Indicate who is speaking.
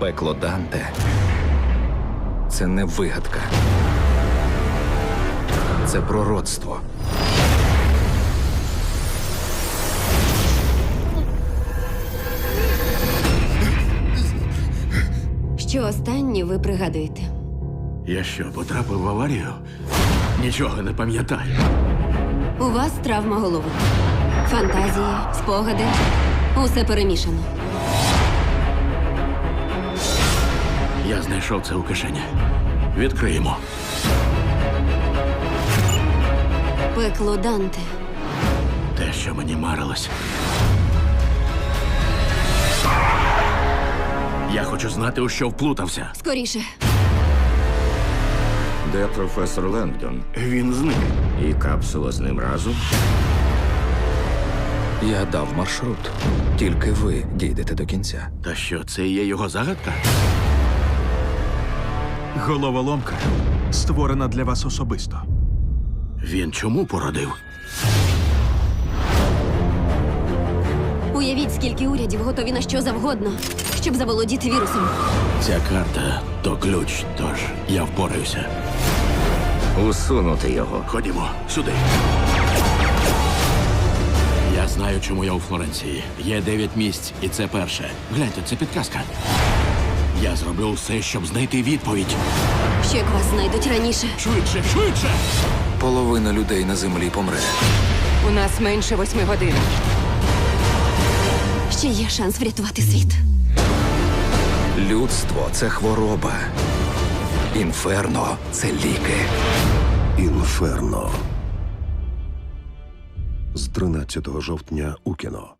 Speaker 1: Пекло Данте – це не вигадка. Це пророцтво.
Speaker 2: Що останнє ви пригадуєте?
Speaker 3: Я що, потрапив в аварію? Нічого не пам'ятаю.
Speaker 2: У вас травма голови. Фантазії, спогади. Усе перемішано.
Speaker 3: Я знайшов це у кишені. Відкриємо.
Speaker 2: Пекло Данте.
Speaker 3: Те, що мені марилось. Я хочу знати, у що вплутався.
Speaker 2: Скоріше.
Speaker 4: Де професор Лендон?
Speaker 3: Він зник.
Speaker 4: І капсула з ним разом?
Speaker 1: Я дав маршрут. Тільки ви дійдете до кінця.
Speaker 3: Та що, це і є його загадка?
Speaker 5: Головоломка створена для вас особисто.
Speaker 3: Він чому породив?
Speaker 2: Уявіть, скільки урядів готові на що завгодно, щоб заволодіти вірусом.
Speaker 3: Ця карта то ключ, тож я впораюся.
Speaker 4: Усунути його.
Speaker 3: Ходімо, сюди. Я знаю, чому я у Флоренції. Є 9 місць, і це перше. Гляньте, це підказка. Я зроблю все, щоб знайти відповідь.
Speaker 2: Що як вас знайдуть раніше?
Speaker 3: Швидше, швидше!
Speaker 1: Половина людей на землі помре.
Speaker 6: У нас менше 8 годин.
Speaker 2: Ще є шанс врятувати світ.
Speaker 1: Людство – це хвороба. Інферно – це ліки.
Speaker 7: Інферно. З 13 жовтня у кіно.